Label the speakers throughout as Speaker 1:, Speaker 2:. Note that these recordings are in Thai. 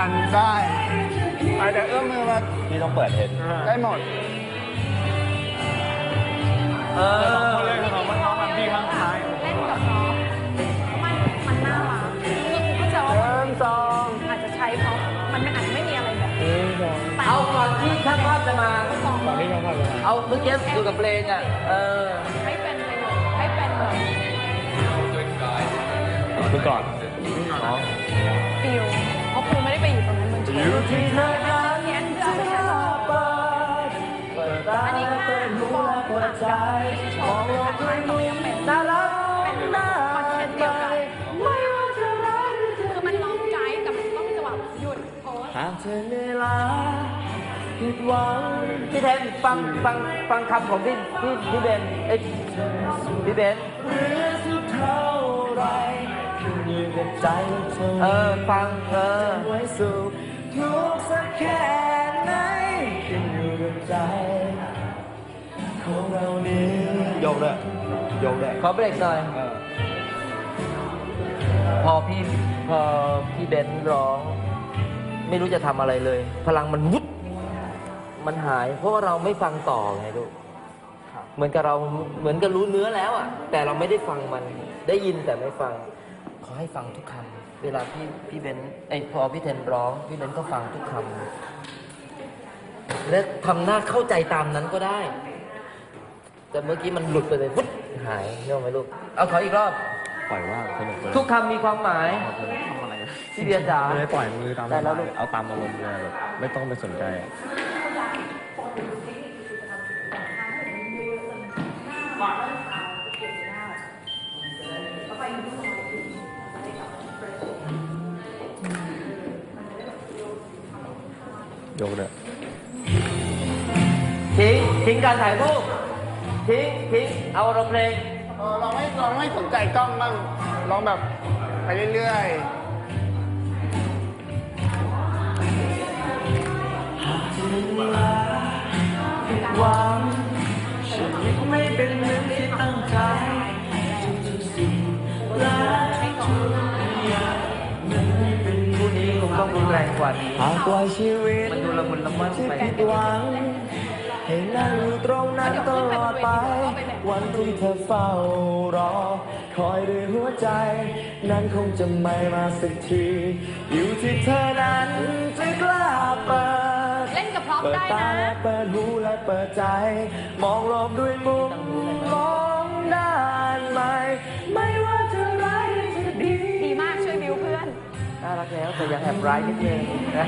Speaker 1: กันได้ไปแต่เอื้อมมือมา
Speaker 2: พี่ต้องเปิดเห็น
Speaker 1: ได้หมด
Speaker 2: สองคนเลยของมันน้องแบบพี่ข้างซ้าย
Speaker 3: เล่นกับน้องมันน่ารักคือเข้าใจว่า
Speaker 1: สอง
Speaker 3: อาจจะใช้เพราะมันอาจจะไม่มีอะไรแบบแต่
Speaker 4: เอาก่อนที่ช่างภาพจะมา
Speaker 1: ตอนนี้น้องพาไป
Speaker 4: เอาเมื่อกี้อยู่กับเพลงอ่ะ
Speaker 3: ให้เป็นประโยชน์ให้เป็นแบบ
Speaker 2: ดูก่อน
Speaker 3: ฟิลเพราะครูไม่ได้ไปอยู่ตรงนั้นมันเฉย
Speaker 4: อยู่ที่เธอนั้น
Speaker 3: เพี้ยนเพื่อเอาไปใช้ต่อ
Speaker 4: เปิดตา
Speaker 3: อันนี้
Speaker 4: เปิดหูและเปิดใจมองโลกด้วยมุมน่ารักน่าไปไม่ว่าจะรัก
Speaker 3: คือมันร้องไกด์แต่มันต้องจังหวะหยุดโพส
Speaker 4: หากเธอเหนื่อยล้าผิดหวังพี่แทนฟังคำของพี่เบนเอ้ยพี่เบนเรือสุดเท่าไรขึ้นอยู่กับใจเธอฟังไว้สู่ทุกสักแค่ไหนขึ้นอยู่กับใจของเรานี้โยกเลยขอเบรกหน่อยพอพี่เบนร้องไม่รู้จะทำอะไรเลย พลังมันวุบมันหาย เพราะว่าเราไม่ฟังต่อไงลูกเหมือนกับรู้เนื้อแล้วอ่ะแต่เราไม่ได้ฟังมันได้ยินแต่ไม่ฟังขอให้ฟังทุกคำเวลาพี่เบนพอพี่เทนร้องพี่เบนก็ฟังทุกคำและทำหน้าเข้าใจตามนั้นก็ได้ แต่เมื่อกี้มันหลุดไปเลยวุบหายเนื่องไหมลูกเอาขออีกรอบ
Speaker 2: ปล่อยว่าสนุกเลย
Speaker 4: ทุกคำมีความหมายพี่เบียร์จ๋า
Speaker 2: ไม่ได้ปล่อยมือตาม
Speaker 4: ได้แล้วลูก
Speaker 2: เอาตามอารมณ์เลยแบบไม่ต้องไปสนใจอะยกเลย
Speaker 4: ทิ้งการถ่ายรูปทิ้งเอาอารมณ์เพลง
Speaker 1: ลองไม่สนใจกล้องบ้างลองแบบไปเรื่อยๆ
Speaker 4: หวังชีวิตไม่เป็นเหมือนที่ตั้งใจทุกสิ่งและทุกอย่างมันไม่เป็นผู้นี้คงต้องรุนแรงกว่านี้
Speaker 5: หากปล่อยชีวิต
Speaker 4: มันดูละมุนละม่อม
Speaker 5: ที่
Speaker 4: ไป
Speaker 5: ผิดหวังให้นั่งอยู่ตรงนั้นตลอดไป วันที่เธอเฝ้ารอ คอยด้วยหัวใจ นั้นคงจะไม่มาสักที อยู่ที่เธอนั้นจะกล้าเปิด
Speaker 3: เล่นกับพร้อม
Speaker 5: เปิด
Speaker 3: ได้
Speaker 5: ตา
Speaker 3: นะ
Speaker 5: และเปิดหูและเปิดใจ มองโลกด้วยมุมมองด้านใหม่ ไม่ว่าจะร้ายหรือจะดี
Speaker 3: ดีมากช่วยบิวเพื่อน
Speaker 4: น่ารักแล้วแต่ยังแอบร้ายนิดนึง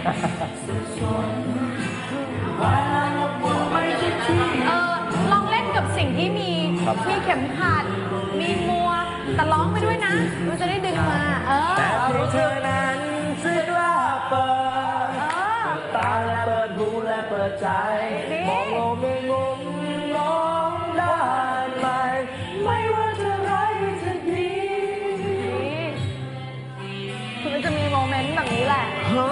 Speaker 3: ลองเล่นกับสิ่งที่มีเข็มขัด มีมัว แต่ร้องไปด้วยนะ มันจะได้ดึงมา
Speaker 5: แต่เพียงเธอนั้นจะกล้าเปิด ตาและเปิดหูและเปิดใจ มองโลกในมุมมองด้านใหม่ ไม่ว่าจะร้ายหรือจะดี
Speaker 3: คือมันจะมีโมเมนต์แบบนี้แหละ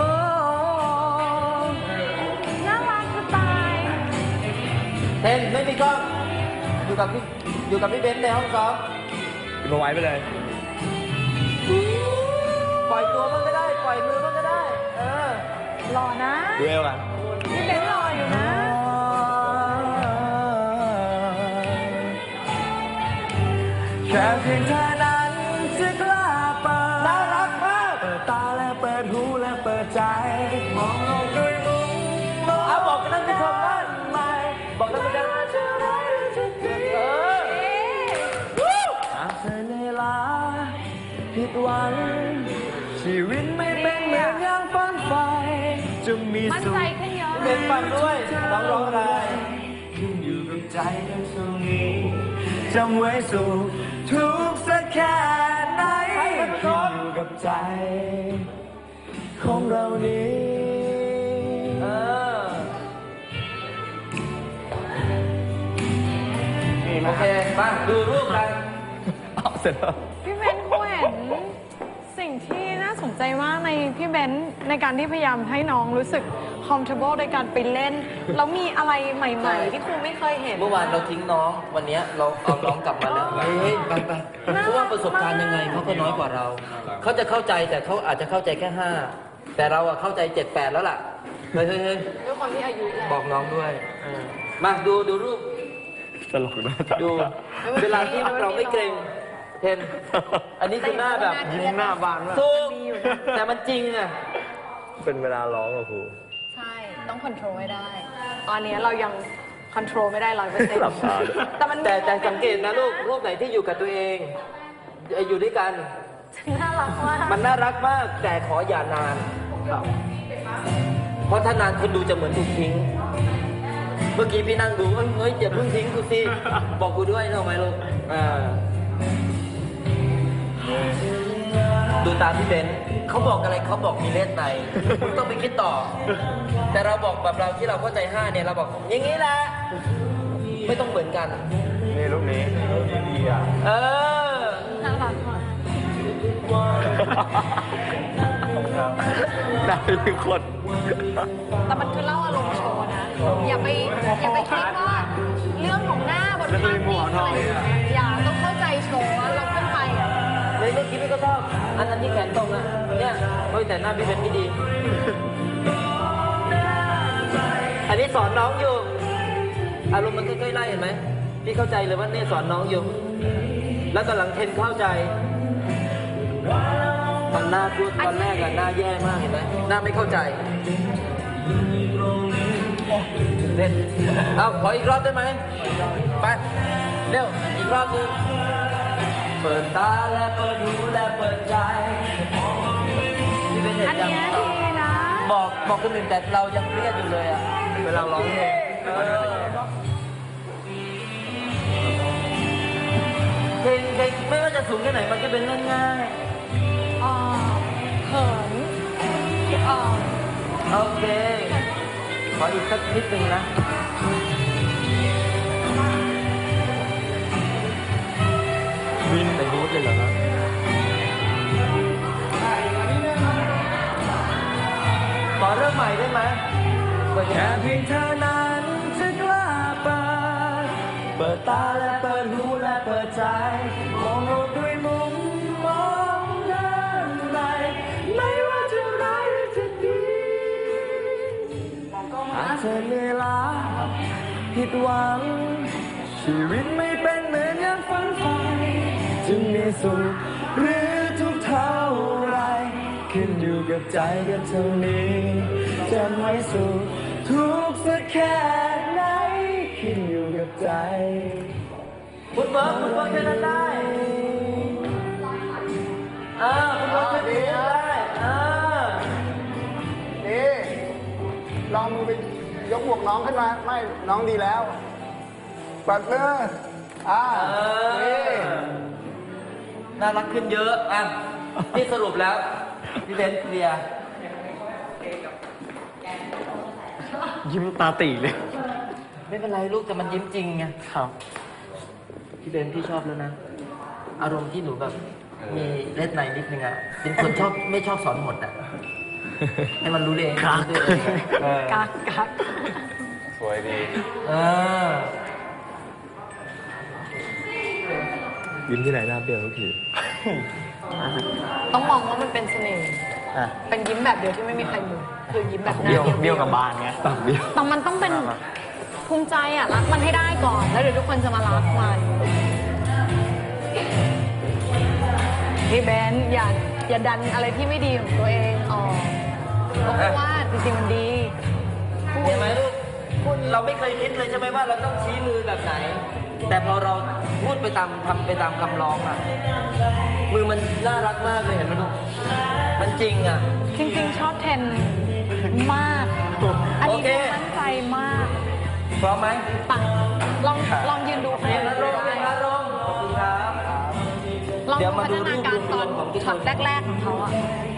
Speaker 3: น่ารักจะตาย
Speaker 4: เทนไม่มีกล้องอยู่กับพี่เบนซ์ในห้องซ้อม
Speaker 2: มาไว้ไปเลย
Speaker 4: ปล่อยตัวมันก็ได้ปล่อยมือมันก็ได้
Speaker 3: รอนะ
Speaker 2: ดูเอวกัน
Speaker 3: พี่เบนรออยู่นะ
Speaker 5: แค่เพียงเธอนั้นจะกล้าเปิด
Speaker 4: น่ารักมาก
Speaker 5: เปิดตาและเปิดหูและเปิดใจ มองโลกด้วยมุมมอง
Speaker 4: เอาบอกกันท่านผู้ชมว่า
Speaker 5: ใหม่
Speaker 4: บอกท่านผู้ชม
Speaker 5: ว่าจะร้ายหรือจะดี หากเธอเหนื่อยล้าผิดหวัง ชีวิตไม่เป็นเหมือนอย่างฝันใฝ่จะมี
Speaker 3: มั่น
Speaker 5: สุ
Speaker 3: ใจ
Speaker 5: ข
Speaker 3: ขึ้นเยอะ
Speaker 4: เป็นฟังด้วยร้องอะไร
Speaker 5: ขึ้นอยู่กับใจกันตรงนี้จำไว้สุขทุกข์สักแค่ไหนขึ้นอยู่กับใจ ของเรานี้
Speaker 4: โอเคมาดูรูปกัน
Speaker 2: เอาเสร็จแล้ว
Speaker 3: พี่เบนซ์เขาเห็นสิ่งที่น่าสนใจมากในพี่เบนซ์ในการที่พยายามให้น้องรู้สึก comfortable ในการไปเล่น แล้วมีอะไรใหม่ๆ ที่ครูไม่เคยเห็น
Speaker 4: เมื่อวานเราทิ้งน้องวันนี้เราเอาน้องกลับมาแล้วเฮ้ยไปเพราะว่าประสบการณ์ยังไงเขาก็น้อยกว่าเราเขาจะเข้าใจแต่เขาอาจจะเข้าใจแค่5 แต่เราอะเข้าใจ7-8แล้วล่ะเฮ้ย
Speaker 3: ด้วยความที่อายุแล้ว
Speaker 4: บอกน้องด้วยมาดูรูป
Speaker 2: ตลกนะจ๊ะ
Speaker 4: ดูเวลาที่เราไม่เกรงเห็นอันนี้คือหน้าแบบ
Speaker 2: ยิ้มหน้าบานมาก
Speaker 4: สู้แต่มันจริงอะ
Speaker 2: เป็นเวลาร้องอะครู
Speaker 3: ใช่ ต้องคอนโทรลให้ได้ ตอนนี้เรายังคอนโทรลไม่ได้100%
Speaker 2: หลับตาด้วย
Speaker 3: แต่มัน
Speaker 4: แต่สังเกตนะลูกรูปไหนที่อยู่กับตัวเองอยู่ด้วยกัน
Speaker 3: น่ารักมาก
Speaker 4: มันน่ารักมากแต่ขออย่านาน เพราะถ้านานคนดูจะเหมือนถูกทิ้ง เมื่อกี้พี่นั่งดูเฮ้ยอย่าเพิ่งทิ้งกูสิบอกกูด้วยนะไหมลูกดูตามพี่เบนซ์เขาบอกอะไรเขาบอกมีเลสในคุณต้องไปคิดต่อ แต่เราบอกแบบเราที่เราเข้าใจ5เนี่ยเราบอกอย่างนี้แหละไม่ต้องเหมือนกัน
Speaker 2: นี่ลูกนี้ดีอ่ะ
Speaker 4: เออ
Speaker 3: น่ารักมาก
Speaker 2: ได้ทุกคน
Speaker 3: แต่มันคือเล่าอารมณ์โชว์นะ อย่าไปคิดว่าเรื่องของหน้าบนภาพนิ่งอะไรอย่าต้องเข้าใจโชว์ว่าเราขึ้นไปอ่ะ
Speaker 4: เลยเมื่อกี้พี่ก็ชอบอันนั้นที่แขนตรงอะเนี่ยเฮ้ยแต่หน้าพี่เป็นไม่ดี อันนี้สอนน้องอยู่ อารมณ์มันค่อยๆไล่เห็นไหมพี่เข้าใจเลยว่าเนี่ยสอนน้องอยู่ แล้วตอนหลังเทนเข้าใจตอนหน้าพูดตอนแรกอะหน้าแย่มากเห็นไหมหน้าไม่เข้าใจเล่นเอาขออีกรอบได้ไหมไปเร็วอีกรอบนึงเปิดตาและเปิดหูและเปิดใจที่เป็นเห็น
Speaker 3: อัน
Speaker 4: ยัง
Speaker 3: เนี้ยดีนะ
Speaker 4: บอกคนอื่นแต่เรายังเครียดอยู่เลยอะเวลาร้องเพลงเพลงไม่ว่าจะสูงแค่ไหนมันก็เป็นเรื่องง่าย
Speaker 3: เขิน
Speaker 4: โอเค ขออีกสักนิดนึงนะวินเป็นรูทเลยเหรอครับขอเริ่มใหม่ได้ไหมเปิด
Speaker 5: แค่เพียงเธอนั้นจะกล้าเปิดตาและเปิดหูและเปิดใจมองโลกด้วยมุมมองด้านในไม่ว่าจะร้ายหรือจะดีหากเธอเหนื่อยล้าผิดหวังชีวิตไม่เป็นเหมือนอย่างฝันใฝ่จึงมีสุขหรือทุกข์เท่าไรขึ้นอยู่กับใจกันเท่านี้จะไม่สุขทุกข์สักแค่ไหนขึ้นอยู่กับใจ
Speaker 4: คุณเบิร์กแค่นั้นได้คุณเบิร์กแค่นี้ได้
Speaker 1: นี่ลองมือไปยกหมวกน้องขึ้นมาไม่น้องดีแล้วปัดมือนี่
Speaker 4: น่ารักขึ้นเยอะที่สรุปแล้วพี่เบนซ์เคลียร์
Speaker 2: ยิ้มตาตีเลย
Speaker 4: ไม่เป็นไรลูกแต่มันยิ้มจริงไง
Speaker 2: ครับ
Speaker 4: พี่เบนพี่ชอบแล้วนะ อารมณ์ที่หนูแบบ มีเล็ดในนิดนึงอ่ะเป็นคนชอบไม่ชอบสอนหมดอ่ะ ให้มันรู้เอง
Speaker 2: ครับ
Speaker 4: รู้ตัวเอง
Speaker 3: กัก
Speaker 2: สวยดี ยิ้มที่ไหนหน้าเบี้ยวทุกที
Speaker 3: ต้องมองว่ามันเป็นเสน่ห์
Speaker 2: อ่ะ
Speaker 3: เป็นยิ้มแบบเดียวที่ไม่มีใครมีคือยิ้มแบบหน้า
Speaker 2: เบี้ยว
Speaker 3: เดียว
Speaker 2: เบี้ยวกับบานไงปากเบี้ยว
Speaker 3: แต่มันต้องเป็นภูมิใจอ่ะรักมันให้ได้ก่อน แล้วเดี๋ยวทุกคนจะมารักมันพี่เบนซ์อย่าดันอะไรที่ไม่ดีของตัวเองออกเพราะว่าจริงๆมันดี
Speaker 4: เห็นไหมลูกเราไม่เคยคิดเลยใช่ไหมว่าเราต้องชี้มือแบบไหน แต่พอเราพูดไปตามทำไปตามคำร้องอ่ะ มือมันน่ารักมากเลยเห็นไหมลูก มันจริงอ่ะ
Speaker 3: จริงๆชอบเทนมาก อันนี้
Speaker 4: โอเค
Speaker 3: ตั้งใจมาก
Speaker 4: พร้อมไหม
Speaker 3: ปังลองยืนดู
Speaker 4: เรียนอารมณ์เรียนอารมณ์ขอบคุณครับ
Speaker 3: ลอง
Speaker 4: เดี๋
Speaker 3: ดู
Speaker 4: ยวมา
Speaker 3: พั
Speaker 4: ดู
Speaker 3: ฒนาการตอน
Speaker 4: รูปรวมของทุกคน
Speaker 3: ช็อตแรกๆของเขาอะ